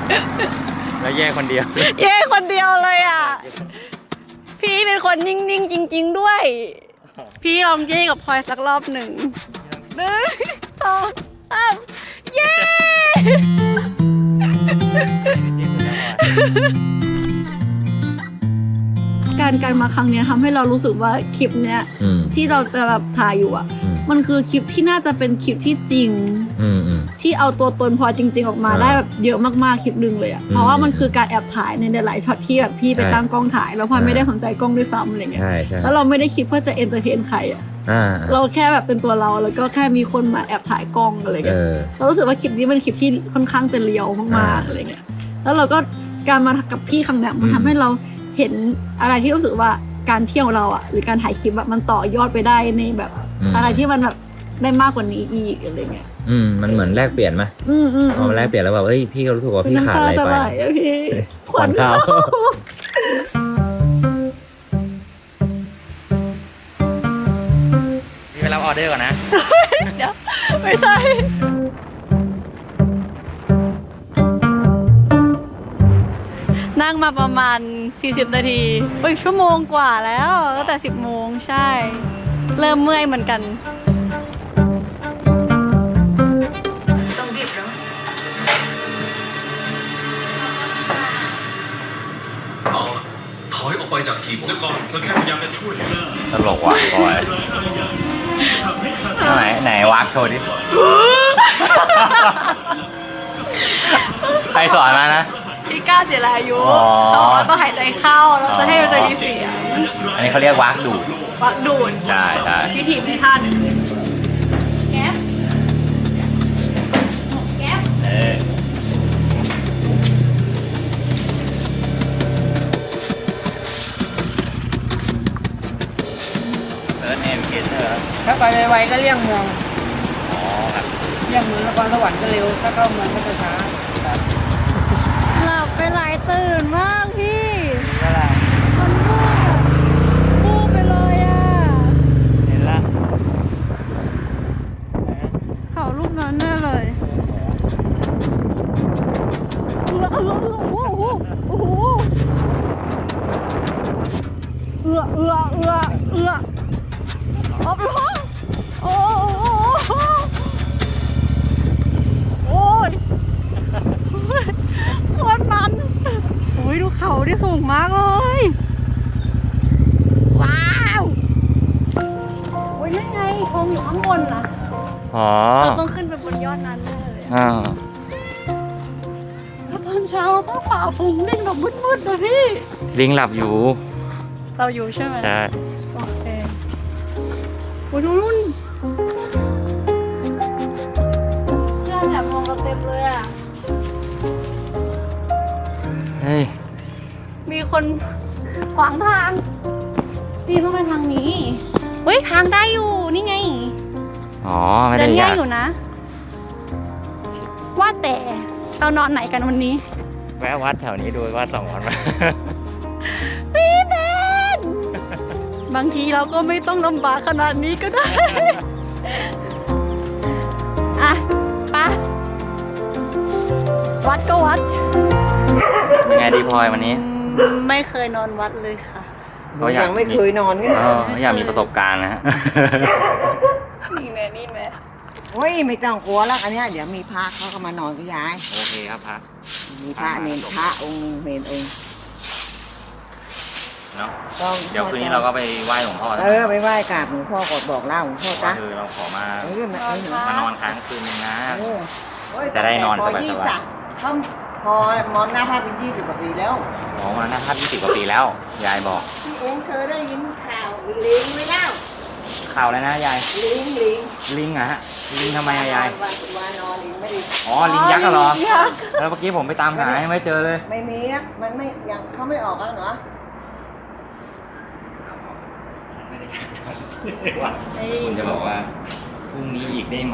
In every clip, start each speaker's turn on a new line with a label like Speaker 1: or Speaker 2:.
Speaker 1: แล้วแย่คนเดียว
Speaker 2: เย่คนเดียวเลยอ่ะพี่เป็นคนนิ่งๆจริงๆด้วยพี่ลองเย่กับพลอยสักรอบหนึ่ง2 3เย่การมาครั้งนี้ทำให้เรารู้สึกว่าคลิปเนี้ยที่เราจะแบบถ่ายอยู่อ่ะมันคือคลิปที่น่าจะเป็นคลิปที่จริงที่เอาตัวตนพอจริงๆออกมาได้แบบเยอะมากๆคลิปนึงเลยอ่ะเพราะว่ามันคือการแอบถ่ายในหลายช็อตที่แบบพี่ไปตั้งกล้องถ่ายแล้วพอไม่ได้สนใจกล้องด้วยซ้ำอะไรเงี้ยแล้วเราไม่ได้คิดเพื่อจะเอนเตอร์เทนใครอ่ะเราแค่แบบเป็นตัวเราแล้วก็แค่มีคนมาแอบถ่ายกล้องอะไรเงี้ยเรารู้สึกว่าคลิปนี้เป็นคลิปที่ค่อนข้างจะเรียวมากๆอะไรเงี้ยแล้วเราก็การมากับพี่ครั้งนี้มันทำให้เราเห็นอะไรที่รู้สึกว่าการเที่ยวเราอ่ะหรือการถ่ายคลิปแบบมันต่อยอดไปได้ในแบบอะไรที่มันแบบได้มากกว่านี้อีกอะไรเงี้ย
Speaker 1: มันเหมือนแลกเปลี่ยนไหมพอมาแลกเปลี่ยนแล้วแบบเอ้ยพี่ก็รู้สึกว่าพี่ขาดอะไรไป
Speaker 2: พี่
Speaker 1: ขวัญเขาพี่ไปรับออเดอร์ก่อนนะ
Speaker 2: เดี๋ยวไม่ใช่นั่งมาประมาณ40 นาทีชั่วโมงกว่าแล้วตั้งแต่10 โมงใช่เริ่มเมื่อยเหมือนกันต้องรีบเนาะ
Speaker 3: ถอยออกไปจากทีมแล้วก่อนเราแค่พยายามจะช่วยนะ
Speaker 1: ตลกว่ะบอยไหนวักโชว์ดิใครสอนมานะ
Speaker 2: พี่ก้าวเจรายุเขาบอกว่าต้องหายใจเข้าแล้วจะให้มันจะมีเสียง
Speaker 1: อันนี้เขาเรียกวักดูดใช่
Speaker 2: พี่ถีบในท่านึงแก๊ป
Speaker 1: เซิร์ชเนมเกเตอร์
Speaker 4: ถ้าไปไวๆก็เลี่ยงเมือง
Speaker 1: ครับ
Speaker 4: เลี่ยงเมืองนครสวรรค์ก็เร็วถ้าเข้าเมืองก็จะช้า
Speaker 2: หลับไปหลายตื่นมากพี่
Speaker 1: อะไร
Speaker 2: มันวูบไปเลยอ่ะ
Speaker 1: เห็นละ
Speaker 2: เขาลูกนั้นแน่เลยโอ้โหอับล้อโอ้ยโคตรมันดูเขาที่สูงมากเลยว้าวนั่นไงธงอยู่ข้างบนนะเราต้องขึ้นไปบนยอดนั้นเลยแล้วตอนเช้าเราต้องฝ่าฝูงลิงแบบมืดๆเลยพี่
Speaker 1: ลิงหลับอยู่
Speaker 2: เราอยู่ใช่ไหม
Speaker 1: ใช่
Speaker 2: โอเคดูนู่นเพื่อนแอบมองเราเต็มเลยอ่ะ
Speaker 1: เฮ้ย
Speaker 2: มีคนขวางทางพี่ต้องไปทางนี้ทางได้อยู่นี่ไง
Speaker 1: ไม่ได้
Speaker 2: ยากอยู่นะว่าแต่เรานอนไหนกันวันนี้
Speaker 1: แวะวัดแถวนี้ดูว่า2 วัน
Speaker 2: พี่เบนบางทีเราก็ไม่ต้องลำบากขนาดนี้ก็ได้ไปวัดก็วัด
Speaker 1: ยังไงดีพลอยวันนี้
Speaker 2: ไม่เคยนอนวัดเลยค่ะ
Speaker 4: ยังไม่เคยนอนกัน
Speaker 1: อยากมีประสบการณ์นะฮะ
Speaker 2: นี่แม่
Speaker 4: ไม่ต้องกลัวแล้วอันนี้เดี๋ยวมีพระเขาก็มานอนกับยาย
Speaker 1: โอเคครับพระ
Speaker 4: มีพระเนรพระองค์เนรองค์
Speaker 1: เนาะเดี๋ยวคืนนี้เราก็ไปไหว้หลวงพ่อ
Speaker 4: ไปไหว้กราบหลวงพ่อบอกเล่าหลวงพ่อจ้ะ
Speaker 1: เราขอมานอนค้างคืนนึงนะจะได้นอนสบาย
Speaker 4: ๆพอมอนหน้าภาพเป็น20 กว่าปีแล้ว
Speaker 1: มาหน้าภาพ20 กว่าปีแล้วยายบอก
Speaker 4: พี่เองเคยได้ยินข่าวลิงไหมเล่า
Speaker 1: ข่าวอะไรนะยายลิงอะฮะลิงทำไมยายลิงยักษ์เหรอแล้วเมื่อกี้ผมไปตามหาไม่เจอเลย
Speaker 4: ไม่มีนะมันไม่ยังเขาไม่ออกแล้วเนาะ
Speaker 1: ผมจะบอกว่าพรุ่งนี้อีกได้ไหม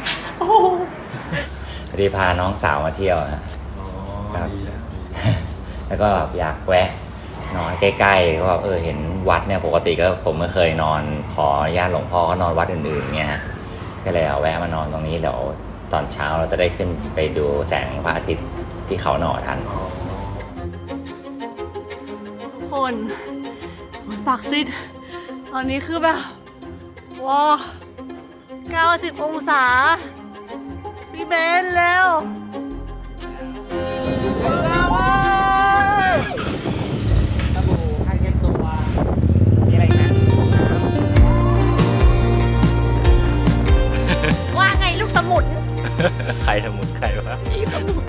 Speaker 1: พอดีพาน้องสาวมาเที่ยวครับแล้วก็อยากแวะนอนใกล้ๆก็เห็นวัดเนี่ยปกติก็ผมไม่เคยนอนขออนุญาตหลวงพ่อก็นอนวัดอื่นๆเงี้ยก็เลยเอาแวะมานอนตรงนี้เดี๋ยวตอนเช้าเราจะได้ขึ้นไปดูแสงพระอาทิตย์ที่ที่เขาหน่อทัน
Speaker 2: ทุกคนปากซิดตอนนี้คือแบบว้า90 องศาพี่เบนแล้ว
Speaker 1: สบู่ผ้าเช็ดตัวมีอะไรนะ
Speaker 2: ว่าไงลูกสมุน
Speaker 1: ใครสมุนใครวะ
Speaker 2: พี่สมุน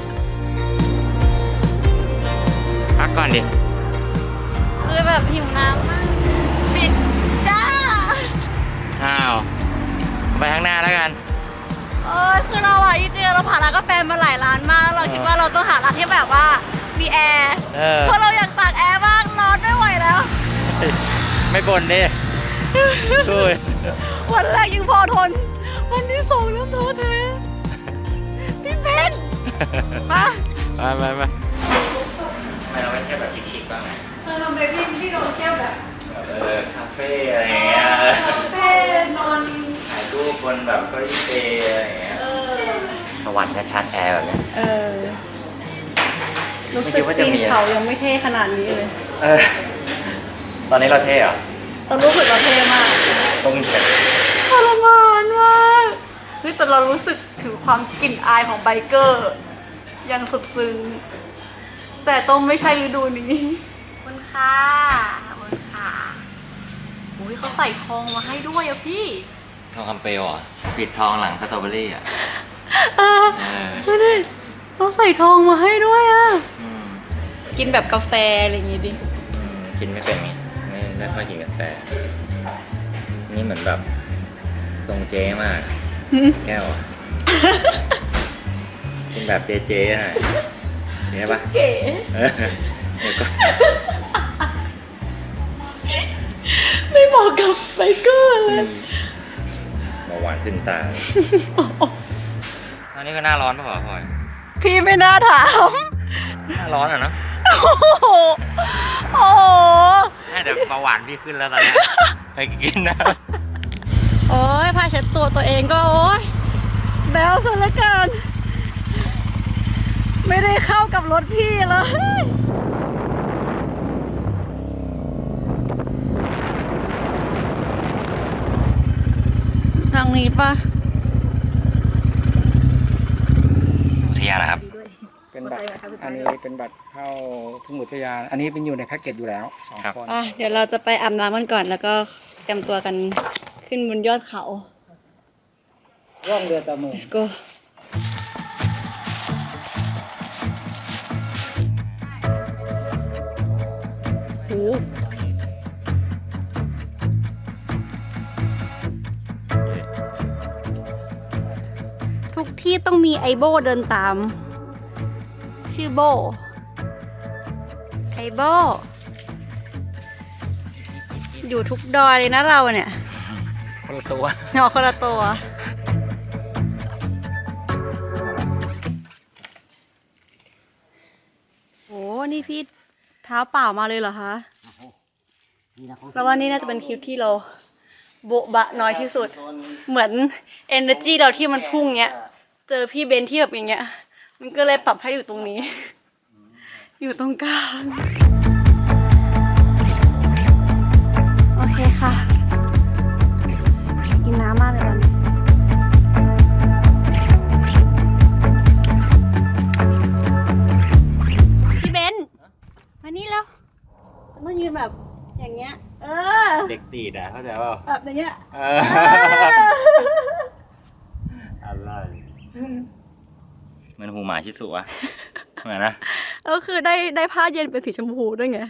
Speaker 1: พักก่อนดิ
Speaker 2: คือแบบหิวน้ำมากปิดจ้า
Speaker 1: อ้าว ไปข้างหน้าแล้วกัน
Speaker 2: คือเราอ่ะจริงๆเราผ่านร้านกาแฟมาหลายร้านมากแล้วเราคิดว่าเราต้องหาร้านที่แบบว่ามีแอร์เพราะเราอยากตากแอร์มากร้อนไม่ไหวแล้ว
Speaker 1: ไม่บ่นดิดูดิ
Speaker 2: วันแรกยังพอทน วันที่สองเริ่มท้อแท้พี่เบนมา
Speaker 1: ไปทำไมเราไม่เที่ยวแบบชิคๆบ้างไง
Speaker 2: ทำไมพี่เราเที่ยวแบบ
Speaker 1: คาเฟ่อะไรอย่างเงี้ย
Speaker 2: คาเฟ่นอน
Speaker 1: ถ่ายรูปบนแบบเก็ยี่เปอะไรอย่างเงี้ยสวรรค์ชัดๆแอร์แบบเนี้ย
Speaker 2: รู้สึกปีนเขายังไม่เท่ขนาดนี้เลย
Speaker 1: ตอนนี้เราเท่เหรอ
Speaker 2: เรารู้สึกเราเท่มาก
Speaker 1: ต้องเห็น
Speaker 2: ทรมานมากเฮ้ยแต่เรารู้สึกถึงความกลิ่นอายของไบเกอร์ยังสุดซึ้งแต่ต้องไม่ใช่ฤดูนี้มันค่ะอุ้ยเขาใส่ทองมาให้ด้วยอะพี่
Speaker 1: ทองคำเปลวเหรอปิดทองหลังสตรอเบอรี่อ่ะ
Speaker 2: ดูดิเขาใส่ทองมาให้ด้วยอะ
Speaker 1: อืม
Speaker 2: กินแบบกาแฟอะไรอย่างงี้ดิ
Speaker 1: กินไม่เป็นไงไม่ค่อยกินกาแฟนี่เหมือนแบบทรงเจ๊มาก แก้วอะกินแบบเจ๊ๆหน่อยเจ๊ปะ
Speaker 2: เก๋
Speaker 1: เดี๋ยวก่อน
Speaker 2: ไม่เหมาะกับไบเกอร์เลย
Speaker 1: เบาหวานขึ้นตาอันนี้ก็หน้าร้อนป่ะพลอย
Speaker 2: พี่ไม่น่าถาม
Speaker 1: หน้าร้อนอ่ะเนาะ
Speaker 2: โอ้โห
Speaker 1: แต่เบาหวานพี่ขึ้นแล้วตอนนี้ไปกินนะ
Speaker 2: โอ้ยผ้าเช็ดตัวเองก็โอ้ยแบลซะเหลือเกินไม่ได้เข้ากับรถพี่เลยทางนี้ปะ
Speaker 1: อุทยานนะครับ
Speaker 5: เป็นบัตรอันนี้เป็นบัตรเข้าทุ่งอุทยานอันนี้เป็นอยู่ในแพ็กเกจอยู่แล้ว2 คน
Speaker 2: เดี๋ยวเราจะไปอาบน้ำกันก่อนแล้วก็เตรียมตัวกันขึ้นบนยอดเขา
Speaker 5: ร่องเรือตะมือ
Speaker 2: let's go โหทุกที่ต้องมีไอโบเดินตาม ชื่อโบ ไอโบ อยู่ทุกดอยเลยนะเราเนี่ย
Speaker 1: คนละตัว
Speaker 2: หนอคนละตัว โอ้นี่พี่เท้าเปล่ามาเลยเหรอคะแปลว่านี่น่าจะเป็นคลิปที่เราโบ๊ะบะน้อยที่สุด เหมือน energy เราที่มันพุ่งเงี้ย เจอพี่เบนที่แบบอย่างเงี้ย มันก็เลยปรับให้อยู่ตรงนี้ อยู่ตรงกลาง โอเคค่ะ กินน้ำมากเลยตอนนี้พี่เบนมานี่แล้วต้องยืนแบบอย่างเงี้ย
Speaker 1: เด็กตีดอ่ะเข้าใจเปล่า
Speaker 2: แบบอย่างเงี้ย
Speaker 1: อะไรเหมือนหูหมาชิสุอะเหมือนนะ
Speaker 2: ก็คือได้ผ้าเย็นเป็นสีชมพูด้วยไง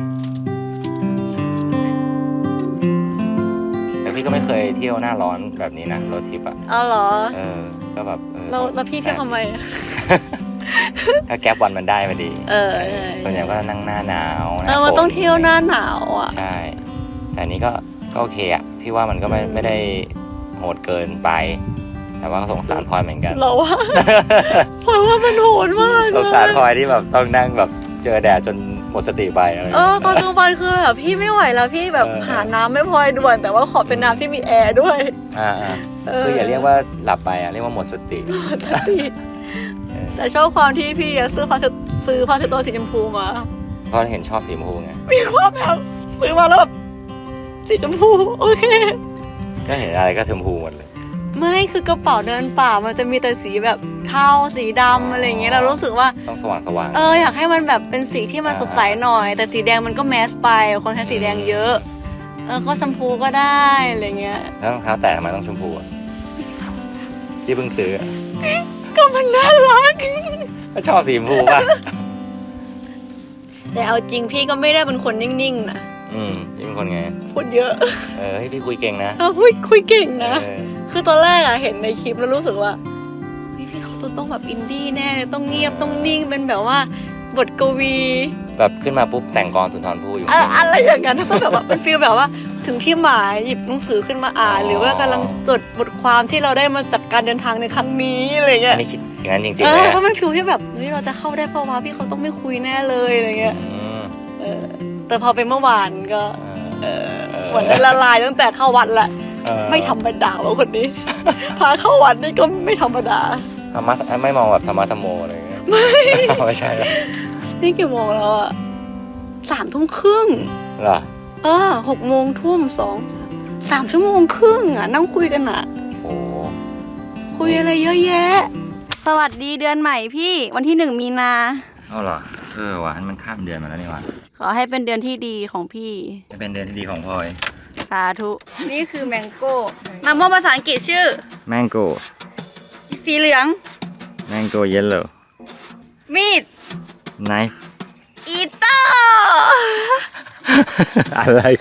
Speaker 1: แต่พี่ก็ไม่เคยเที่ยวหน้าร้อนแบบนี้นะรถทริปอะ
Speaker 2: เอาเหรอ
Speaker 1: ก็แบบ
Speaker 2: แล้วพี่เที่ยวทำไม
Speaker 1: ถ้าแก๊ปวันมันได้มาดี
Speaker 2: ใช่
Speaker 1: ส่วนใหญ่ก็นั่งหน้าหนาวห
Speaker 2: มัน
Speaker 1: ฝ
Speaker 2: ต้องเที่ยวหน้าหนาวอ่ะ
Speaker 1: ใช่ แต่อันนี้ก็โอเคอะพี่ว่ามันก็ไม่ได้โหดเกินไป แต่ว่าก็สงสารพลอยเหมือนกัน
Speaker 2: เราว่า เพราะว่ามันโหดมาก
Speaker 1: สงสารพลอยที่แบบต้องนั่งแบบเจอแดดจนหมดสติไปอะไร
Speaker 2: ตอนกลางวันคือแบบพี่ไม่ไหวแล้วพี่แบบหาน้ำไม่พอด่วน แต่ว่าขอเป็นน้ำที่มีแอร์ด้วย
Speaker 1: คืออย่าเรียกว่าหลับไปอะเรียกว่าหมดสติ
Speaker 2: สติแต่ชอบความที่พี่ซื้อผ้าเช็ดตัวสีชมพูมา
Speaker 1: เพราะเห็นชอบสีชมพูไง
Speaker 2: มีความแบบซื้อมาแล้วแบบสีชมพูโอเค
Speaker 1: ก็เห็นอะไรก็ชมพูหมดเลย
Speaker 2: ไม่คือกระเป๋าเดินป่ามันจะมีแต่สีแบบเทาสีดำอะไรอย่างเงี้ยเรารู้สึกว่า
Speaker 1: ต้องสว่าง
Speaker 2: อยากให้มันแบบเป็นสีที่มันสดใสหน่อย แต่สีแดงมันก็แมสไปคนใช้สีแดงเยอะก็ชมพูก็ได้อะไรเงี้ย
Speaker 1: แล้วรองเท้าแตะทำไมต้องชมพูอะที่เพิ่งซื้ออะ
Speaker 2: ก็มันน่ารัก
Speaker 1: ก็ชอบสีชมพูป่ะ
Speaker 2: แต่เอาจริงพี่ก็ไม่ได้เป็นคนนิ่งๆนะ
Speaker 1: นี่เป็นคนไง
Speaker 2: พูดเยอะ
Speaker 1: ให้พี่คุยเก่งนะ
Speaker 2: คุยเก่งนะ
Speaker 1: เออ
Speaker 2: คือตอนแรกอะเห็นในคลิปแล้วรู้สึกว่าเฮ้ยพี่เขาต้องแบบอินดี้แน่เลยต้องเงียบต้องนิ่งเป็นแบบว่าบทกวี
Speaker 1: แบบขึ้นมาปุ๊บแต่งกลอนสุนทรภู่อยู่
Speaker 2: อะไรอย่างนั้นก็แบบว่าเป็นฟีลแบบว่าถึงที่หมายหยิบหนังสือขึ้นมาอ่าน หรือว่ากำลังจดบทความที่เราได้มาจากการเดินทางในครั้งนี้อะไรเงี้ย
Speaker 1: อันนี้คิดอย่างนั้นจริงๆเลย
Speaker 2: ก็เป็นฟีลที่แบบเฮ้ยเราจะเข้าได้เพราะว่าพี่เขาต้องไม่คุยแน่เลยอะไรเงี้ย แต่พอเป็นเมื่อวานก็เหมือนได้ละลายตั้งแต่เข้าวัดละไม่ธรรมดาว่ะคนนี้ พาเข้าวัดนี่ก็ไม่ธรรมดา
Speaker 1: ธรรมะไม่มองแบบธรรมะธรรมโมอะไรอย่างเงี้ยไม่ใช่หรอ
Speaker 2: นี่กี่โมงแล้วอะ3 ทุ่มครึ่ง
Speaker 1: เหรอ
Speaker 2: 6 โมงทุ่ม3 ชั่วโมงครึ่งอะนั่งคุยกันอะ
Speaker 1: โอ้
Speaker 2: คุยอะไรเยอะแยะ สวัสดีเดือนใหม่พี่วันที่1 มีนา
Speaker 1: เอาเหรอว่ะมันข้ามเดือนมาแล้วนี่วะ
Speaker 2: ขอให้เป็นเดือนที่ดีของพี่
Speaker 1: จะเป็นเดือนที่ดีของพลอย
Speaker 2: สาธุนี่คือแมงโก้มะม่วงภาษาอังกฤษชื่อ
Speaker 1: Mango
Speaker 2: สีเหลือง
Speaker 1: Mango Yellow
Speaker 2: มีด
Speaker 1: Knife
Speaker 2: อีโต้
Speaker 1: อะไรเขา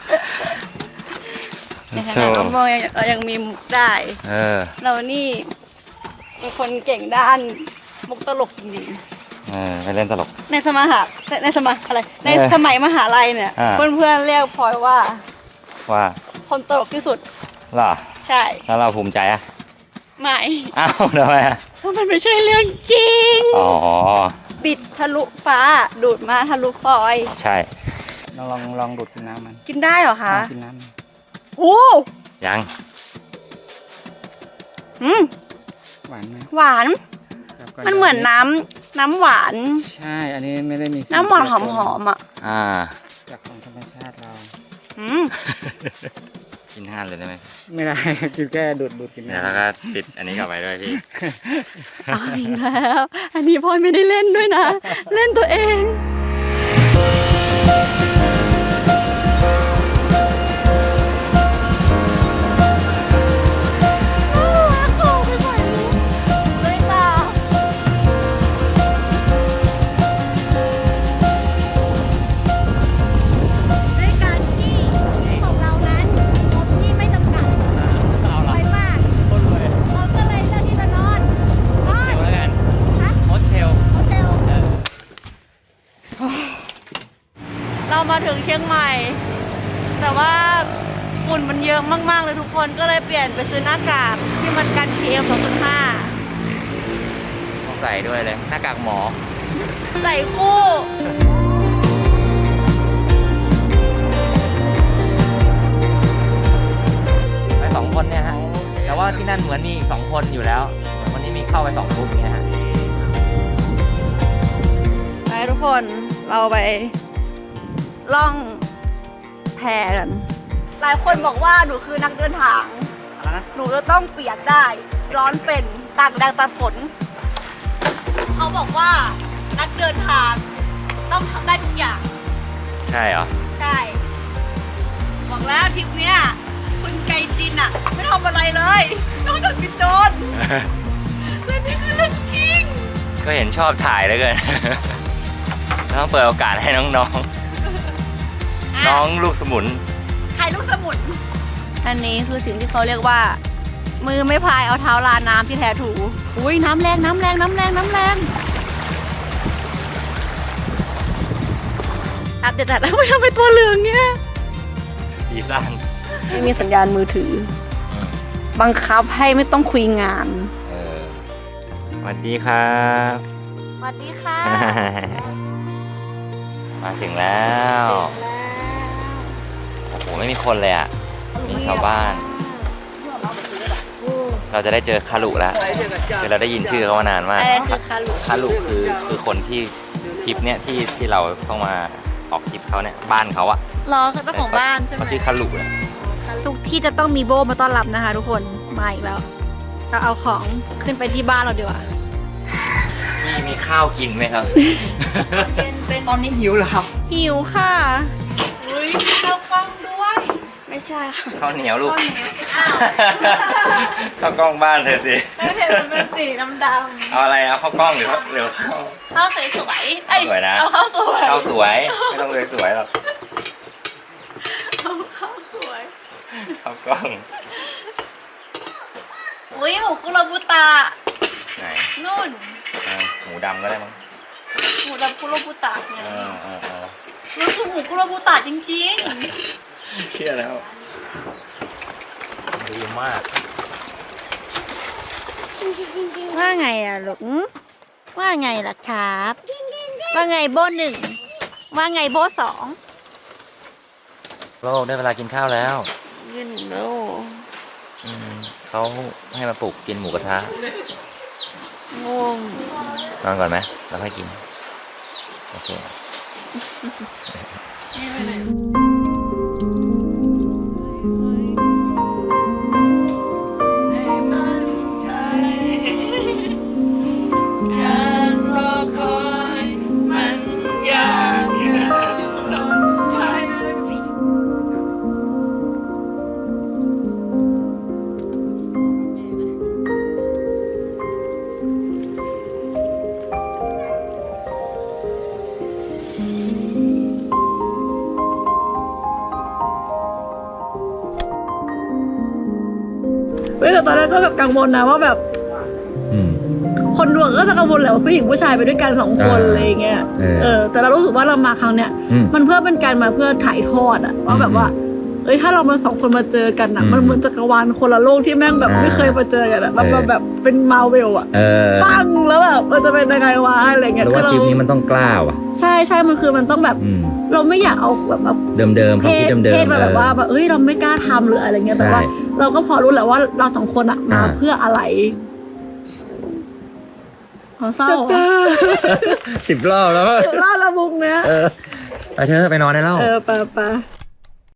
Speaker 2: ในขณะมะม่วงเรายังมีมุกได้ เรานี่เป็นคนเก่งด้านมุกตลกจริงๆ
Speaker 1: ไปเล่นตลก
Speaker 2: ในสมัยมหาลัยเนี่ยเพื่อนๆเรียกพลอยว่าคนตลกที่สุด
Speaker 1: เหรอ
Speaker 2: ใช่
Speaker 1: แล้วเราภูมิใจอะ
Speaker 2: ไม่
Speaker 1: อ้าวทำไมอะ
Speaker 2: เพราะมันไม่ใช่เรื่องจริงบิดทะลุฟ้าดูดมาทะลุฟอย
Speaker 1: ใช่
Speaker 5: ลองดูดกินน้ำมัน
Speaker 2: กินได้เหรอคะ
Speaker 5: กินน้
Speaker 2: ำโอ้
Speaker 1: ยัง
Speaker 5: หวานไหม
Speaker 2: หวานมันเหมือนน้ำหวาน
Speaker 5: ใช่อันนี้ไม่ได้มี
Speaker 2: น้ำหวานหอมๆอ่ะ
Speaker 5: จากของธรรมชาติเรา
Speaker 1: กิน5เลยได้ไหม
Speaker 5: ไม่ได้กินแค่ดูดกิน
Speaker 1: แล้วก็ติดอันนี้กลับไปด้วยพี่
Speaker 2: เอาอีกแล้วอันนี้พลอยไม่ได้เล่นด้วยนะเล่นตัวเองเรามาถึงเชียงใหม่แต่ว่าฝุ่นมันเยอะมากๆเลยทุกคนก็เลยเปลี่ยนไปซื้อหน้ากากที่มันกัน PM 2.5
Speaker 1: ต้องใส่ด้วยเลยหน้ากากหมอ
Speaker 2: ใส่คู่
Speaker 1: ไป2 คนเนี่ยฮะแต่ว่าที่นั่นเหมือนมีอีก2 คนอยู่แล้ววันนี้มีเข้าไป2 กลุ่มเนี่ยฮะ
Speaker 2: ไปทุกคนเราไปล่องแพกันหลายคนบอกว่าหนูคือนักเดินทางหนูจะต้องเปียกได้ร้อนเป็นตากแดดตากฝนเขาบอกว่านักเดินทางต้องทำได้ทุกอย่าง
Speaker 1: ใช่เหรอ
Speaker 2: ใช่บอกแล้วทริปเนี้ยคุณไกจินอะไม่ทำอะไรเลยนอกจากบินโดรนและนี่คือเรื่องจริง
Speaker 1: ก็เห็นชอบถ่ายแล้วเกินต้องเปิดโอกาสให้น้องลูกสมุน
Speaker 2: ใครลูกสมุนอันนี้คือสิ่งที่เขาเรียกว่ามือไม่พายเอาเท้าลาน้ำที่แท้ถูอุ้ยน้ำแรงอัปเดตจัดแล้วไม่ทำไมตัวเหลืองเนี่ย
Speaker 1: ดีสั้น
Speaker 2: ไม่มีสัญญาณมือถือบังคับให้ไม่ต้องคุยงาน
Speaker 1: สวัสดีครับ
Speaker 2: สวัสดีค่ะ
Speaker 1: มาถึงแล้วโอ้โหไม่มีคนเลยอ่ะมีชาวบ้านเราจะได้เจอคารุแล้วคือเราได้ยินชื่อเขามานานมาก
Speaker 2: อะไรคือคารุ
Speaker 1: คารุคือคนที่ทริปเนี่ยที่เราต้องมาออกทริปเขาเนี่ยบ้านเขาอะ
Speaker 2: รอเจ้าของบ้านใช่ไหม
Speaker 1: เขาชื่อคารุเนี่ย
Speaker 2: ทุกที่จะต้องมีโบมาต้อนรับนะคะ ทุกคนมาอีกแล้วเราเอาของขึ้นไปที่บ้านเราดีกว่า
Speaker 1: มีข้าวกินไหมครับ
Speaker 5: ตอนนี้หิวเหรอครับ
Speaker 2: หิวค่ะอุ้ยเรากล้องด้วย ไม่ใช่ค่ะ
Speaker 1: ข้าวเหนียวลูก
Speaker 2: อ้าว
Speaker 1: ข้าวกล้องบ้านเธอสิ
Speaker 2: ไม่เห็นมันเป็นสีดำ
Speaker 1: เอาอะไรเอาข้าวกล้องหรือข้าว
Speaker 2: ๆข้าวสวยๆเอ้ย
Speaker 1: สวยนะ
Speaker 2: เอาข้าวสวย
Speaker 1: ข้าวสวยไม่ต้องเลยสวยหรอก
Speaker 2: เอาข้าวสวย
Speaker 1: ข้าวกล้อง
Speaker 2: อุ้ยหมูคุโรบุตะ
Speaker 1: ไหน
Speaker 2: นู่น
Speaker 1: หมูดำก็ได้มั้ง
Speaker 2: หมูดำคุโรบุตะไง
Speaker 1: เออ
Speaker 2: รู้สึกหมูคุโรบุตะจริง
Speaker 1: เชื่อแล้วดีมาก
Speaker 2: ๆว่าไงอะลูกว่าไงล่ะครับ ว่าไงโบหนึ่งว่าไงโบสอง
Speaker 1: โลกได้เวลากินข้าวแล้ว
Speaker 2: ยืนโล
Speaker 1: เขาให้มาปลุกกินหมูกระทะ
Speaker 2: งง
Speaker 1: นอนก่อนไหมแล้วค่อยกิน โอเค
Speaker 2: การรอคอยมันยากเกินทนไป เว้ยแต่ตอนแรกก็แบบกังวลนะว่าแบบ คนดวงก็จะกังวลแหละว่าผู้หญิงผู้ชายไปด้วยกัน2 คนอะไรอย่างเงี้ยแต่เรารู้สึกว่าเรามาครั้งเนี้ยมันเพื่อเป็นการมาเพื่อถ่ายทอดอะว่าแบบว่าเอ้ยถ้าเรามา2 คนมาเจอกันอะมันเหมือนจักรวาลคนละโลกที่แม่งแบบไม่เคยมาเจอกันอะเราแบบเป็นมาเวลอะปังแล้วแบบมันจะเป็นยังไงวะอะไรเงี้ย
Speaker 1: รู้ว่าทริปนี้มันต้องกล้าว่ะ
Speaker 2: ใช่มันคือมันต้องแบบเราไม่อยากเอาแบบ
Speaker 1: เดิมๆความคิดเดิม
Speaker 2: เพศมาแบบว่าแบบเอ้ยเราไม่กล้าทำหรืออะไรเงี้ยแต่ว่า เราก็พอรู้แหละว่าเรา2 คนอะมาเพื่ออะไรเศร้า
Speaker 1: 10 รอบแล้ว
Speaker 2: เล่าละมุกเนี้ย
Speaker 1: ไปเถอะไปนอนได้แล้ว
Speaker 2: ไป